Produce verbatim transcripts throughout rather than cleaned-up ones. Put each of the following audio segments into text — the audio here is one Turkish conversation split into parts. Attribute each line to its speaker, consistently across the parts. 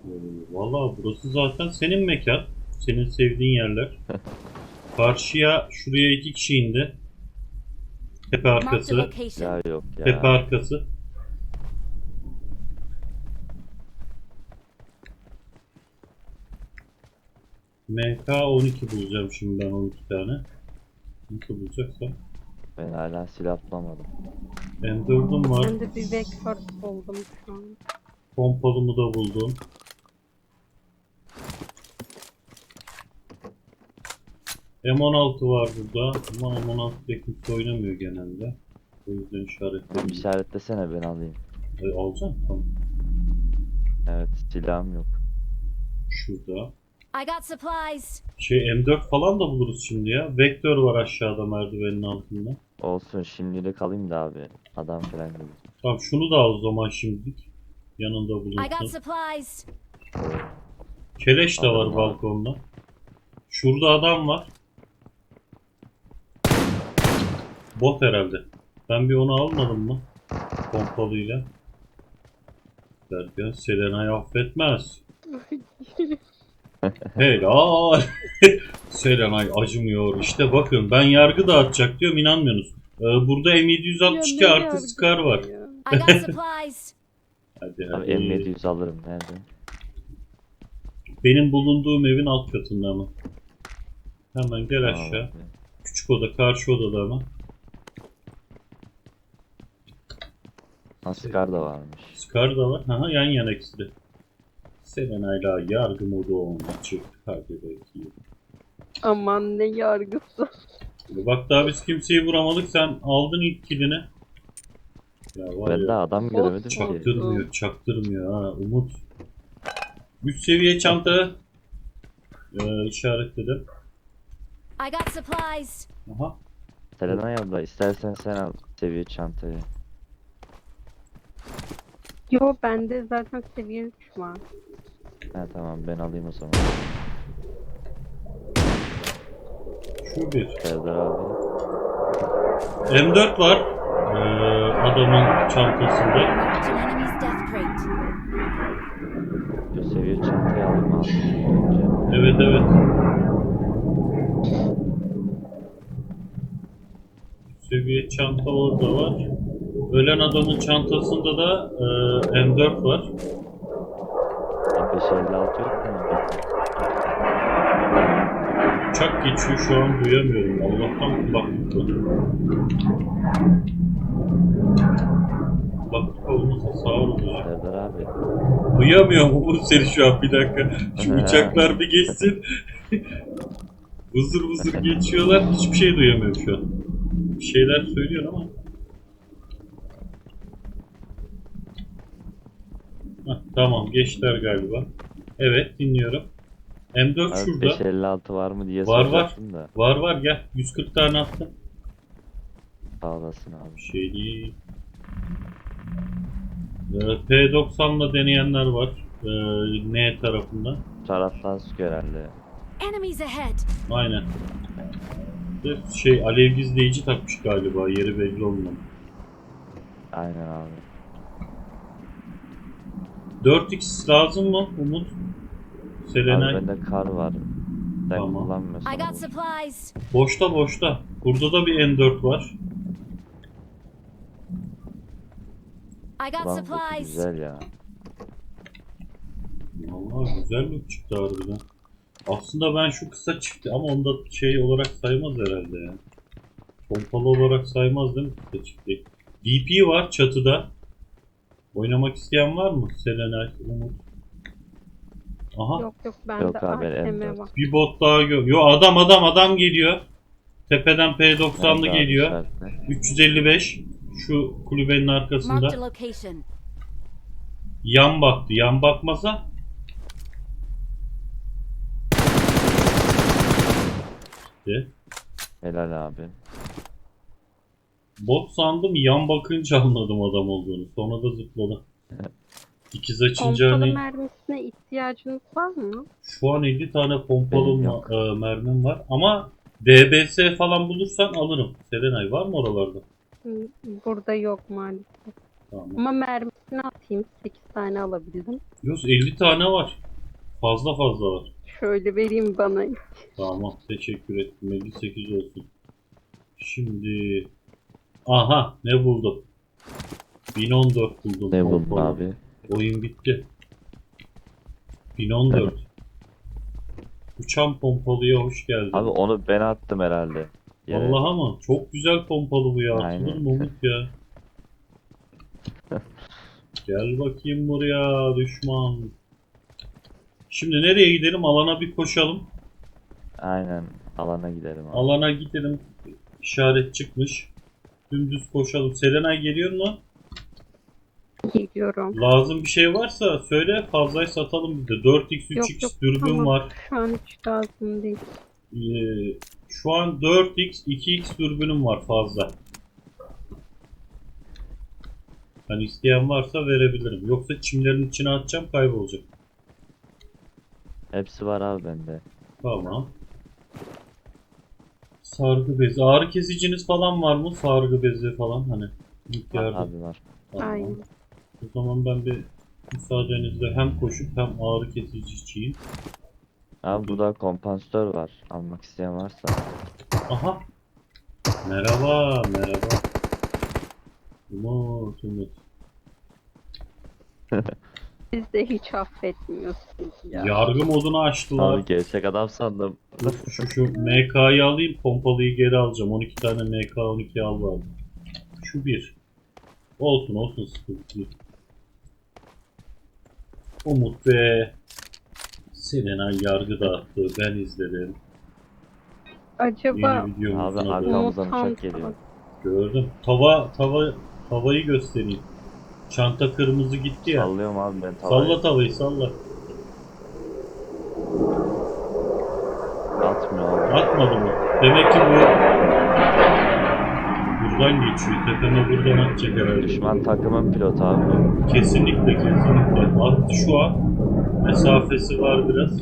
Speaker 1: Ee, Valla burası zaten senin mekan. Senin sevdiğin yerler. Karşıya şuraya iki kişi indi. Tepe
Speaker 2: Marked a
Speaker 1: arkası.
Speaker 2: location.
Speaker 3: Ya yok
Speaker 1: Tepe
Speaker 3: ya.
Speaker 1: arkası. M K on iki bulacağım şimdi ben on iki tane. Nasıl bulacaksam.
Speaker 3: Ben hala silah bulamadım.
Speaker 1: M dördüm var.
Speaker 4: Ben de bir vektör buldum şu an.
Speaker 1: Pompalımı da buldum. M on altı var burada ama M on altı ile kimse oynamıyor genelde. O yüzden işaretledim.
Speaker 3: İşaretlesene ben alayım.
Speaker 1: E, alacağım tamam.
Speaker 3: Evet silahım yok.
Speaker 1: Şurada.
Speaker 2: I got supplies.
Speaker 1: Şey M dört falan da buluruz şimdi ya. Vektör var aşağıda merdivenin altında.
Speaker 3: Olsun şimdilik alayım da abi. Adam falan gibi.
Speaker 1: Tamam şunu da al o zaman şimdilik. Yanında
Speaker 2: I got
Speaker 1: bulunsun.
Speaker 2: supplies.
Speaker 1: Keleş de var
Speaker 3: Adam var.
Speaker 1: balkonda. Şurada adam var. Bot herhalde. Ben bir onu almadım mı? Pompalıyla. Derken Selena'yı affetmez. Helal. Selenay acımıyor. İşte bakın ben yargı dağıtacak diyorum inanmıyorsunuz. Ee, burada M yedi yüz altmış iki
Speaker 4: Ya ne
Speaker 1: artı
Speaker 4: yargı
Speaker 1: Scar var.
Speaker 4: ya?
Speaker 2: I got supplies.
Speaker 1: Hadi
Speaker 3: Abi
Speaker 1: hadi.
Speaker 3: M yedi yüz alırım nerede?
Speaker 1: Benim bulunduğum evin alt katında ama. Hemen gel
Speaker 3: Aa,
Speaker 1: aşağı.
Speaker 3: bak.
Speaker 1: Küçük oda karşı odada ama.
Speaker 3: Ha, Scar da varmış.
Speaker 1: Scar da var. Aha, yan yana ikisi de. Selena'yla yargı modu on açık. Hadi bakayım.
Speaker 4: Aman ne yargısı.
Speaker 1: Bak daha biz kimseyi vuramadık. Sen aldın ilk kilini. Ya var
Speaker 3: Ben
Speaker 1: ya.
Speaker 3: daha adam göremedim ki.
Speaker 1: Çaktırmıyor, çaktırmıyor ha Umut. Üst seviye çanta ee, işaretledim.
Speaker 2: I got supplies.
Speaker 1: Aha.
Speaker 3: Selenay abla istersen sen al seviye çantayı.
Speaker 4: Yo bende zaten seviye üç var.
Speaker 3: Ha tamam ben alayım o zaman.
Speaker 1: Şu bir.
Speaker 3: Serdar abi.
Speaker 1: M dört var. Ee, adamın çantasında.
Speaker 2: Marked an enemy's death crate.
Speaker 3: Şu seviye çantayı alayım abi. Önce.
Speaker 1: Evet evet. Üst seviye çanta orada var. Ölen adamın çantasında da ee, M dört var.
Speaker 3: beş elli altı yok mu?
Speaker 1: Uçak geçiyor şu an duyamıyorum. Allah'tan kulaklık var. Kulaklık olmasa sağ olacak.
Speaker 3: Serdar abi.
Speaker 1: Duyamıyorum Umut seni şu an bir dakika. Şu uçaklar bir geçsin. Vızır vızır geçiyorlar. Hiçbir şey duyamıyorum şu an. Bir şeyler söylüyor ama. Heh, tamam geçtiler galiba. Evet dinliyorum. M dört
Speaker 3: Abi
Speaker 1: şurada.
Speaker 3: beş elli altı var mı diye
Speaker 1: Var, var.
Speaker 3: soracaktım da.
Speaker 1: Var var gel. yüz kırk tane attım.
Speaker 3: Sağ olasın abi.
Speaker 1: Bir şey değil. Ee, P doksanla deneyenler var. Ee, N tarafında.
Speaker 3: Taraftan sıkıyor herhalde.
Speaker 2: Enemies ahead.
Speaker 1: Aynen. Bir şey alev gizleyici takmış galiba. Yeri belli olmadı.
Speaker 3: Aynen abi.
Speaker 1: dört x lazım mı Umut? Selenay.
Speaker 3: Abi bende kar var. Sen
Speaker 1: Tamam.
Speaker 3: kullanmıyorsun.
Speaker 2: I got
Speaker 3: olur.
Speaker 2: supplies.
Speaker 1: Boşta boşta. Burada da bir M dört var.
Speaker 2: I got
Speaker 3: Ulan bu
Speaker 2: supplies.
Speaker 3: güzel ya.
Speaker 1: Vallahi güzel bir çıktı harbiden. Aslında ben şu kısa çıktı ama onda şey olarak saymaz herhalde ya. Pompalı olarak saymaz değil mi kısa çıktı? D P var çatıda. Oynamak isteyen var mı? Selenay, Umut. Aha.
Speaker 4: Yok yok bende
Speaker 3: Yok abi,
Speaker 4: A K M
Speaker 3: M dört.
Speaker 4: var.
Speaker 1: Bir bot daha gör. Yo adam adam adam geliyor. Tepeden P doksanlı
Speaker 3: Nerede abi
Speaker 1: geliyor.
Speaker 3: işaretle?
Speaker 1: üç yüz elli beş. Şu kulübenin arkasında.
Speaker 2: Marked a location.
Speaker 1: Yan baktı. Yan bakmasa. De.
Speaker 3: Helal abi.
Speaker 1: Bot sandım yan bakınca anladım adam olduğunu. Sonra da zıpladı. İkiz açınca
Speaker 4: Pompalı
Speaker 1: hani
Speaker 4: mermisine ihtiyacınız var mı?
Speaker 1: şu an elli tane pompalı
Speaker 3: Benim
Speaker 1: ma-
Speaker 3: yok.
Speaker 1: e, mermim var. Ama D B S falan bulursan alırım. Selenay var mı oralarda?
Speaker 4: Hı, burada yok maalesef.
Speaker 1: Tamam.
Speaker 4: Ama mermisini atayım. sekiz tane alabildim.
Speaker 1: Yunus elli tane var. Fazla fazla var.
Speaker 4: Şöyle vereyim bana.
Speaker 1: Tamam teşekkür ettim. elli sekiz olsun. Şimdi aha ne buldum? bin on dört buldum.
Speaker 3: Ne buldun
Speaker 1: Pompalı.
Speaker 3: abi?
Speaker 1: Oyun bitti. bin on dört. Uçan pompalıya hoş geldin.
Speaker 3: Abi onu ben attım herhalde. Yere.
Speaker 1: Vallahi ama çok güzel pompalı bu ya. Atılır
Speaker 3: Aynen.
Speaker 1: mı Umut ya? Gel bakayım buraya düşman. Şimdi nereye gidelim? Alana bir koşalım.
Speaker 3: Aynen. Alana gidelim abi.
Speaker 1: Alana gidelim. İşaret çıkmış. Dümdüz koşalım. Serenay geliyor mu?
Speaker 4: Geliyorum.
Speaker 1: Lazım bir şey varsa söyle, fazlayı satalım biz de. dört x üç x
Speaker 4: Yok, yok,
Speaker 1: dürbün
Speaker 4: tamam.
Speaker 1: var.
Speaker 4: Şu an hiç lazım değil.
Speaker 1: Ee, şu an dört x iki x dürbünüm var fazla. Hani isteyen varsa verebilirim. Yoksa çimlerin içine atacağım, kaybolacak.
Speaker 3: Hepsi var abi bende.
Speaker 1: Tamam. Sargı bezi. Ağrı kesiciniz falan var mı? Sargı bezi falan hani. İlk
Speaker 3: Var
Speaker 1: yardım.
Speaker 3: abi var.
Speaker 1: Tamam.
Speaker 4: Aynen.
Speaker 1: O zaman ben bir müsaadenizle hem koşup hem ağrı kesici içeyim.
Speaker 3: Abi burada kompansatör var. Almak isteyen varsa.
Speaker 1: Aha. Merhaba, merhaba. Umut, Umut.
Speaker 4: Siz de hiç affetmiyorsunuz ya.
Speaker 1: Yargı modunu açtılar.
Speaker 3: Abi gerçek adam sandım.
Speaker 1: Dur, şu, şu M K'yı alayım, pompalıyı geri alacağım. on iki tane M K on iki al var. Şu bir. Olsun olsun, sıkıntı değil. Umut ve Serenay yargı dağıttı. Ben izledim.
Speaker 4: Acaba
Speaker 1: Yeni videomuzun
Speaker 3: Abi
Speaker 1: adı.
Speaker 3: arkamızdan
Speaker 4: Mutant
Speaker 3: uçak geliyor.
Speaker 1: Gördüm. Tava, tava, tavayı göstereyim. Çanta kırmızı gitti ya.
Speaker 3: Sallıyorum abi ben tavayı.
Speaker 1: Salla tavayı, salla.
Speaker 3: Atmıyor abi.
Speaker 1: Atmadı mı? Demek ki bu buradan geçiyor. Tepeme buradan atacak herhalde.
Speaker 3: Düşman takımın pilotu abi.
Speaker 1: Kesinlikle, kesinlikle. Attı şu an. Mesafesi var biraz.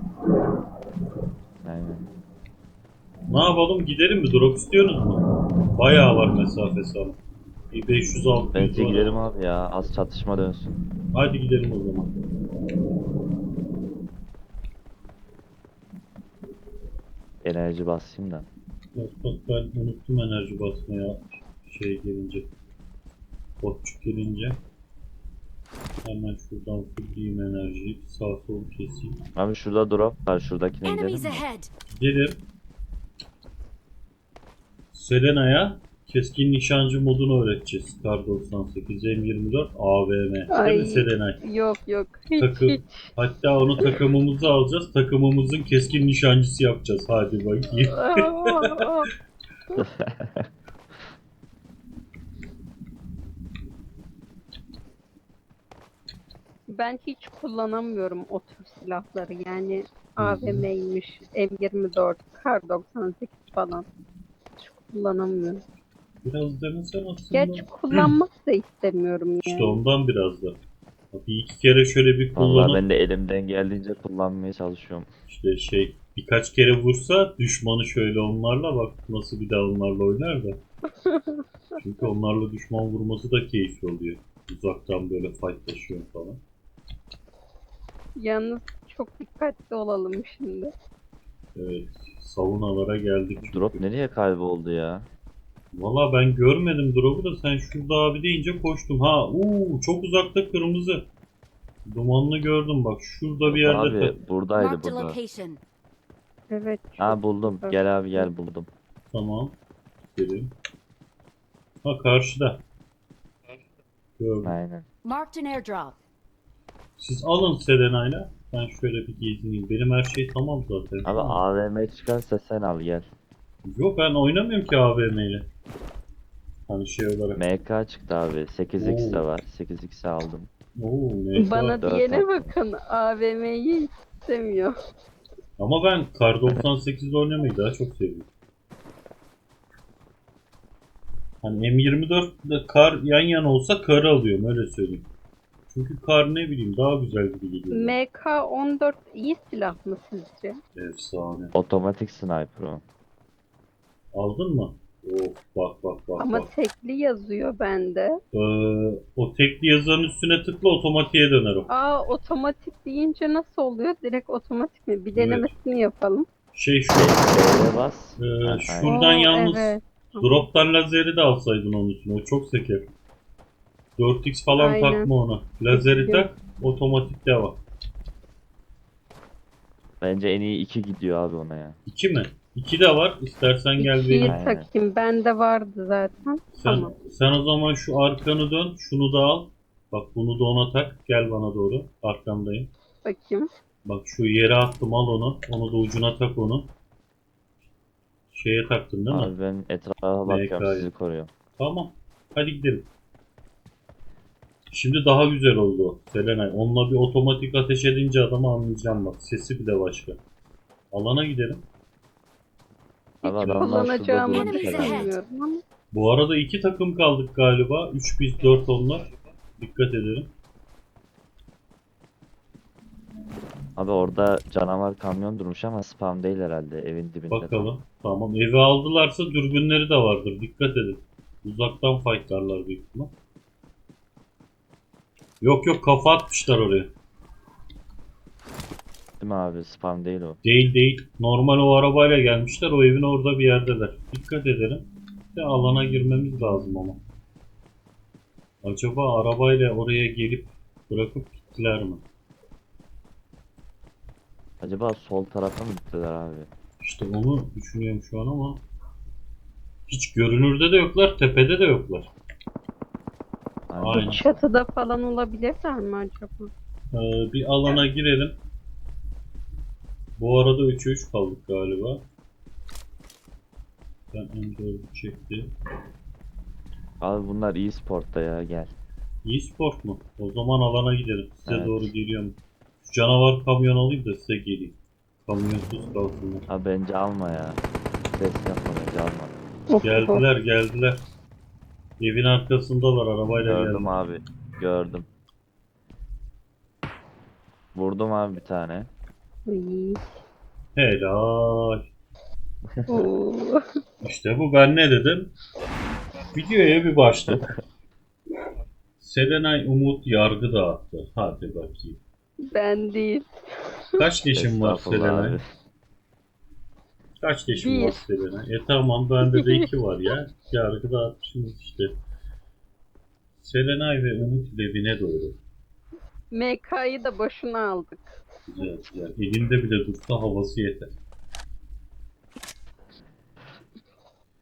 Speaker 3: Aynen.
Speaker 1: Ne yapalım? Gidelim mi? Drop istiyorsunuz mu? Bayağı var mesafesi ama. Bir beş yüz altı yüz
Speaker 3: Bence
Speaker 1: var.
Speaker 3: gidelim abi ya. Az çatışma dönsün.
Speaker 1: Hadi gidelim o zaman.
Speaker 3: Enerji basayım da.
Speaker 1: Bak bak, ben unuttum enerji basmaya şey gelince. Botçuk gelince. Hemen şuradan fulleyim enerjiyi. Sağ sol keseyim.
Speaker 3: Abi şurada drop var. Şuradakine gidelim
Speaker 2: Enemies
Speaker 3: mi?
Speaker 2: ahead.
Speaker 1: Gidelim. Selena'ya keskin nişancı modunu öğreteceğiz. Kar doksan sekiz, M yirmi dört, A V M. Değil
Speaker 4: Ay.
Speaker 1: mi Selena?
Speaker 4: yok yok. Hiç
Speaker 1: Takım.
Speaker 4: hiç.
Speaker 1: Hatta onu takımımıza alacağız. Takımımızın keskin nişancısı yapacağız. Hadi bakayım.
Speaker 4: Aa, Ben hiç kullanamıyorum o tür silahları. Yani A V M'ymiş, M yirmi dört, Kar doksan sekiz falan. Hiç kullanamıyorum.
Speaker 1: Biraz demesen aslında.
Speaker 4: Gerçi kullanmak da istemiyorum yani.
Speaker 1: İşte ondan biraz da. Bir iki kere şöyle bir
Speaker 3: Vallahi
Speaker 1: kullanıp
Speaker 3: ben de elimden geldiğince kullanmaya çalışıyorum.
Speaker 1: işte şey birkaç kere vursa düşmanı şöyle onlarla bak nasıl bir daha onlarla oynar da. Çünkü onlarla düşman vurması da keyifli oluyor. Uzaktan böyle fightlaşıyor falan.
Speaker 4: Yalnız çok dikkatli olalım şimdi.
Speaker 1: Evet. Savunalara geldik. çünkü.
Speaker 3: Drop nereye kayboldu ya?
Speaker 1: Valla ben görmedim drop'u da sen şurada abi deyince koştum. Ha uuu çok uzakta kırmızı. Dumanlı gördüm bak şurada bir yerde.
Speaker 3: Abi buradaydı
Speaker 2: Marked a
Speaker 3: burada.
Speaker 2: location.
Speaker 4: Evet.
Speaker 3: Ha buldum.
Speaker 4: Evet.
Speaker 3: Gel abi gel buldum.
Speaker 1: Tamam. Gidelim. Ha karşıda. Gördüm.
Speaker 3: Aynen.
Speaker 2: Marked an airdrop.
Speaker 1: Siz alın Selena'yla. Ben şöyle bir gezineyim. Benim her şey tamam zaten.
Speaker 3: Abi A V M çıkarsa sen al gel.
Speaker 1: Yok ben oynamıyorum ki A V M ile. Hani şey olarak.
Speaker 3: M K çıktı abi. sekiz x de
Speaker 1: Oo.
Speaker 3: var. sekiz x'i aldım.
Speaker 1: Oo, neyse.
Speaker 4: Bana
Speaker 3: dört
Speaker 4: diyene
Speaker 3: attım.
Speaker 4: bakın, A V M'yi istemiyor.
Speaker 1: Ama ben Kar doksan sekizde oynamayı daha çok seviyorum. Hani M yirmi dört ile Kar yan yana olsa Kar'ı alıyorum öyle söyleyeyim. Çünkü Kar ne bileyim daha güzel gibi geliyor.
Speaker 4: M K on dört iyi silah mı sizce?
Speaker 1: Efsane.
Speaker 3: Otomatik sniper o.
Speaker 1: Aldın mı? Of bak bak bak
Speaker 4: Ama
Speaker 1: bak.
Speaker 4: tekli yazıyor bende.
Speaker 1: Ee, o tekli yazanın üstüne tıkla otomatiğe döner o.
Speaker 4: Aa, otomatik deyince nasıl oluyor? Direkt otomatik mi? Bir
Speaker 1: Evet.
Speaker 4: denemesini yapalım.
Speaker 1: Şey şu
Speaker 3: B'ye bas.
Speaker 1: e,
Speaker 3: Ha,
Speaker 1: şuradan
Speaker 4: Oo,
Speaker 1: yalnız
Speaker 4: evet.
Speaker 1: drop'tan lazeri de alsaydın onun üstüne. O çok seker. dört x falan
Speaker 4: Aynen.
Speaker 1: takma ona. Lazeri
Speaker 4: Yok.
Speaker 1: tak, otomatik devam.
Speaker 3: Bence en iyi iki gidiyor abi ona ya.
Speaker 1: iki mi? iki de var. İstersen gel
Speaker 4: İkiyi
Speaker 1: vereyim.
Speaker 3: Aynen.
Speaker 4: takayım. Bende vardı zaten.
Speaker 1: Sen,
Speaker 4: Tamam.
Speaker 1: sen o zaman şu arkanı dön. Şunu da al. Bak bunu da ona tak. Gel bana doğru. Arkandayım.
Speaker 4: Bakayım.
Speaker 1: Bak şu yere attım, al onu. Onu da ucuna tak onu. Şeye taktın değil mi?
Speaker 3: Abi ben etrafa bakıyorum,
Speaker 1: M K'yı.
Speaker 3: sizi koruyorum.
Speaker 1: Tamam. Hadi gidelim. Şimdi daha güzel oldu o, Selenay. Onunla bir otomatik ateş edince adamı anlayacağım bak. Sesi bile başka. Alana gidelim.
Speaker 4: Hiç
Speaker 3: Abi adamlar şurada
Speaker 4: kullanacağımı
Speaker 3: durmuş
Speaker 2: Enemies
Speaker 3: herhalde.
Speaker 2: ahead.
Speaker 4: düşünmüyorum ama.
Speaker 1: Bu arada iki takım kaldık galiba. üç biz dört onlar. Dikkat edelim.
Speaker 3: Abi orada canavar kamyon durmuş ama spam değil herhalde, evin dibinde.
Speaker 1: Bakalım. Tamam. Evi aldılarsa dürbünleri de vardır. Dikkat edin. Uzaktan fightlarlar büyük ihtimal. Yok yok, kafa atmışlar oraya.
Speaker 3: Değil mi abi, spam değil o.
Speaker 1: Değil değil. Normal o arabayla gelmişler. O evin orada bir yerdeler. Dikkat edelim. De alana girmemiz lazım ama. Acaba arabayla oraya gelip bırakıp gittiler mi?
Speaker 3: Acaba sol tarafa mı gittiler abi?
Speaker 1: İşte onu düşünüyorum şu an ama hiç görünürde de yoklar, tepede de yoklar.
Speaker 3: Aynen.
Speaker 1: Aynen.
Speaker 4: Çatıda falan olabilirler mi acaba?
Speaker 1: Ee, bir alana girelim. Bu arada üçe üç kaldık galiba. Ben M dördü çekti.
Speaker 3: Abi bunlar iyi sportta ya, gel.
Speaker 1: İyi sport mu? O zaman alana gidelim. Size
Speaker 3: Evet.
Speaker 1: doğru geliyorum. Şu canavar kamyon alayım da size geleyim. Kamyonsuz kalsınlar.
Speaker 3: Abi bence alma ya. Ses yapma, bence alma.
Speaker 4: Of, of.
Speaker 1: Geldiler geldiler. Evin arkasındalar, arabayla
Speaker 3: Gördüm
Speaker 1: geldiler.
Speaker 3: abi, gördüm. Vurdum abi bir tane.
Speaker 4: İyi.
Speaker 1: Helal.
Speaker 4: Oo.
Speaker 1: İşte bu, ben ne dedim? Videoya bir başladık. Selenay Umut yargı dağıttı. Hadi bakayım.
Speaker 4: Ben değil.
Speaker 1: Kaç leşin var
Speaker 3: Estağfurullah
Speaker 1: Selenay?
Speaker 3: abi.
Speaker 1: Kaç leşin
Speaker 4: Bir.
Speaker 1: var Selenay? E tamam, bende de iki var ya. Yargı dağıtmışsınız işte. Selenay ve Umut evine doğru.
Speaker 4: M K'yı da boşuna aldık.
Speaker 1: Güzel güzel. Elinde bile dursa havası yeter.